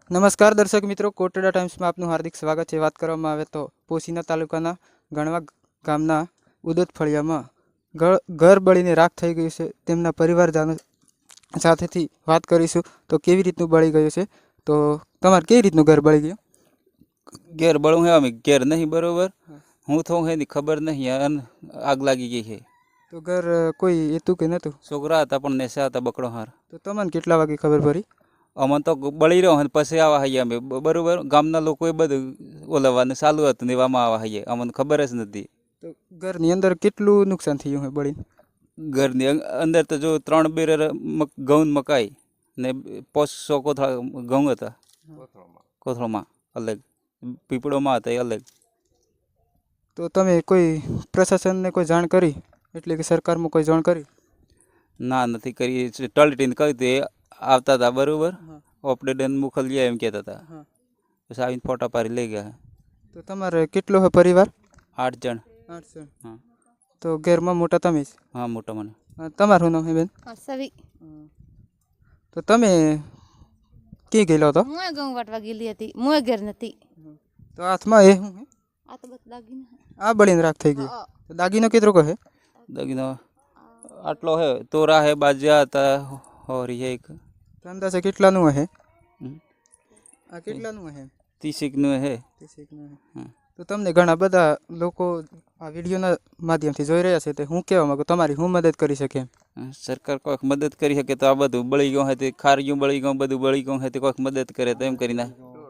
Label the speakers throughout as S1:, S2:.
S1: નમસ્કાર દર્શક મિત્રો, કોટડા ટાઈમ્સમાં આપનું હાર્દિક સ્વાગત છે। વાત કરવામાં આવે તો પોશીના તાલુકાના ગણવા ગામના ઉદોદ ફળિયામાં ઘર બળીને રાખ થઈ ગયું છે। તેમના પરિવારજનો સાથેથી વાત કરીશું તો કેવી રીતનું બળી ગયું છે। તો તમારે કેવી રીતનું ઘર બળી ગયું?
S2: ઘેર બળું હે, અમે ઘેર નહીં બરોબર, હું થઉં હે ખબર નહીં, આગ લાગી ગઈ છે।
S1: તો ઘર કોઈ હતું કે નહોતું?
S2: છોકરા હતા પણ નેસા હતા બકડો હાર।
S1: તો તમને કેટલા વાગે ખબર પડી?
S2: અમને તો બળી રહ્યો પછી આવા હૈયા અમે બરોબર, ગામના લોકોએ બધું ઓલવવાનું ચાલુ હતું ને એવામાં આવા હૈયે, અમને ખબર જ નથી।
S1: તો ઘરની અંદર કેટલું નુકસાન થયું હોય બળીને?
S2: ઘરની અંદર તો જો 3 બેરર ઘઉં મકાઈ ને 500 કોથળા ઘઉં હતા કોથળામાં અલગ, પીપળોમાં હતા એ અલગ।
S1: તો તમે કોઈ પ્રશાસનને કોઈ જાણ કરી, એટલે કે સરકારમાં કોઈ જાણ કરી?
S2: ના નથી કરી, ટળટીને કહ્યું તે આવતા હતા બરોબર, ઓપરેટર મોકલીએ એમ કહેતા હતા, પછી આવીને ફોટા પાડી લઈ ગયા।
S1: તો તમારે કેટલો હોય પરિવાર?
S2: 8 જણ।
S1: 8 જણ।
S2: હા
S1: તો ઘરમાં મોટા તમે જ?
S2: હા, મોટા મને।
S1: તમારું શું નામ છે બેન?
S3: સવી।
S1: તો તમે ક્યાં ગયેલો હતો?
S3: હું ઘઉં વાટવા ગયેલી હતી, હું ઘેર નથી।
S1: તો હાથમાં એ શું?
S3: આ તો બસ દાગીના
S1: આ બળીને રાખ થઈ ગઈ। તો દાગીનો કેટલો કહે?
S2: દાગીનો આટલો હે, તોરા હે, બાજ્યા હતા, હોરી હે એક।
S1: અંદાજે કેટલાનું હશે? આ કેટલાનું હશે?
S2: 30 હે।
S1: 30 હે। તો તમને ઘણા બધા લોકો આ વિડીયોના માધ્યમથી જોઈ રહ્યા છે, તે હું કહેવા માંગુ, તમારી હું મદદ કરી શકે?
S2: સરકાર કોઈક મદદ કરી શકે તો આ બધું બળી ગયું હોય તે ખારિયું બળી ગયું, બધું બળી ગયું હોય તે કોઈક મદદ કરે તો એમ કરીને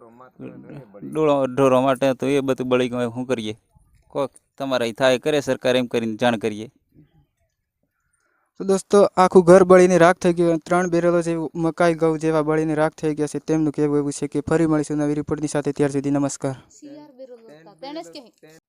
S2: ઢોરો માટે તો એ બધું બળી ગયું હોય, શું કરીએ? કોઈક તમારા થાય કરે સરકાર, એમ કરીને જાણ કરીએ।
S1: તો દોસ્તો, આખું ઘર બળીને રાખ થઈ ગયું। 3 બેરલો જેવું મકાઈ ઘઉં જેવા બળીને રાખ થઈ ગયા છે। તેમનું કહેવું એવું છે કે ફરી મળીશું નવી રિપોર્ટની સાથે, ત્યાર સુધી નમસ્કાર।